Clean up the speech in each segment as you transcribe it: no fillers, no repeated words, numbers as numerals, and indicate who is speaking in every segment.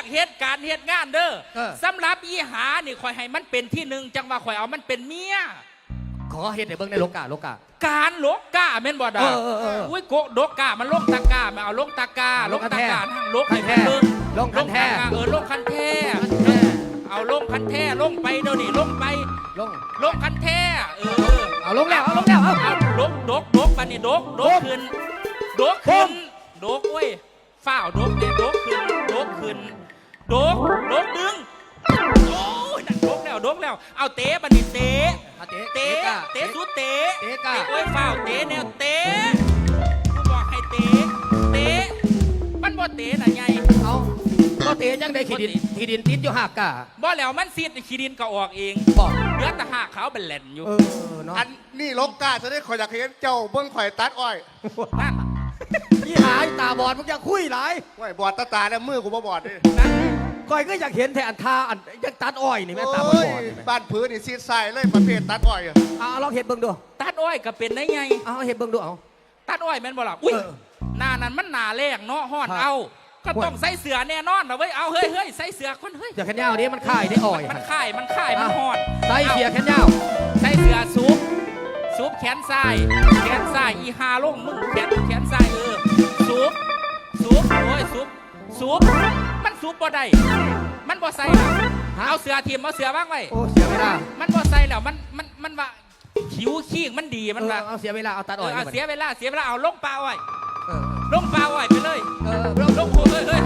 Speaker 1: เหตุการณ์เหตุงานเด้อสำหรับอีหานี่ข่อยให้มันเป็นที่หนึ่งจังว่าข่อยเอามันเป็นเมีย
Speaker 2: ขอเฮ็ดให้เบิ่งในโลกา
Speaker 1: การโลกาแม่นบ่ดาอุ้ยโกโดกามันลงตะกามาเอาลงตะกาลงตะกาทางลงให้แท้
Speaker 2: ลงคันแท้
Speaker 1: ลงคันแท้เอาลงคันแท้ลงไปเดี๋ยวนี้ลงไปลงคันแท้
Speaker 2: เอาลงแล้วเอาลงแล้วเอา
Speaker 1: ดกบัดนี้ดกขึ้นดกเว้ยฝ้าวดกเนี่ยดกขึ้นดกดึงโอ้ยนั่นดกแล้วเอาเตะบัดนี้เตะสุดเตะโอ้ยฝ้าวเตะแนวเตะกูบอกให้เตะมันบ่เตะน่ะไง
Speaker 2: เอาบ่เตะจังได้ขี้ดินติดอยู่หากกะ
Speaker 1: บ่แล้วมันซีดขี้ดินก็ออกเองเหลือแต่หากขาวเป็นแหลนอยู่
Speaker 3: อันนี่ลกกาจะได้ข่อยอยากเห็นเจ้าเบิ้งข่อยตัดอ้อย
Speaker 1: นั่น
Speaker 2: พี่หายตาบอดมึงจะคุยหลาย
Speaker 3: ว้ยบอดตาเนี่ยมือกูบ่บอดดิ
Speaker 2: ก้อยก็อยากเห็นแทนทาอันยังตัดอ้อยนี่แม่ตาบอด
Speaker 3: บ้านพื้นนี่ซีดใส่เลยประเภทตัดอ้อย
Speaker 2: ลองเห็นเบิ่งดู
Speaker 1: ตัดอ้อยก็เป็นได้ไง
Speaker 2: เห็นเบิ่งดูเอา
Speaker 1: ตัดอ้อยแม่นบ่ล่ะอุ้ยหน้านั้นมันหน้าแรงเนาะฮ้อนเอาก็ต้องใส่เสื้อแน่นอนนะเว้ยเอาเฮ้ยใส่เสื้อคนเฮ้ย
Speaker 2: เสื้อแขนยาวนี้มันค่ายได้อ่อย
Speaker 1: มันค่ายมันฮ้อน
Speaker 2: ใส่เสื้อแขนยาว
Speaker 1: ใส่เสื้อซูบแขนซ้ายอีหาลงมึงแขนซ้ายซูบโอ้ยซูบมันซูบบ่ได้มันบ่ใส่แล้วเอาเสื้อทีมเอาเสื้อว่างไว้
Speaker 2: โอ้เสียเวลา
Speaker 1: มันบ่ใส่แล้วมันว่าขิวขี้มันดีมันว่า
Speaker 2: เอาเสียเวลาเอาตัดอ้อย
Speaker 1: เสียเวลาเอาลงปลาอ้อยลงปลาอ้อยไปเลยลงโเฮ้ย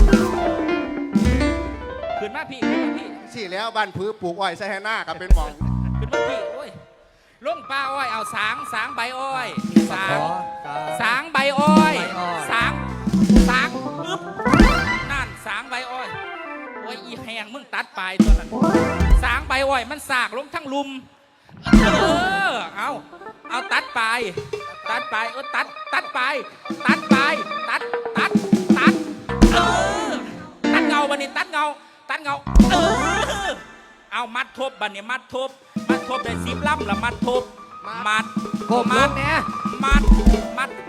Speaker 1: ขึ้นมาพี่
Speaker 3: สี่แล้วบ้านพื้นปลูกอ้อยใส่ให้หน้ากับเป็นหมอง
Speaker 1: ขึ้นมาพี่โอ้ยลงปลาอ้อยเอาสางใบอ้อยสางใบอ้อยสางปึ๊บนั่นสางใบอ้อยโอ้ยอีแหงมึงตัดปลายตัวนั้นสางใบอ้อยมันสากลงทั้งลุมเอาตัดปลายตัดปลายตัดเงาบันนี้ตัดเงาเอามัดทบบันนี้มัดทบได้10 ลำละมัดทบมัด
Speaker 2: เนี่ย
Speaker 1: มัด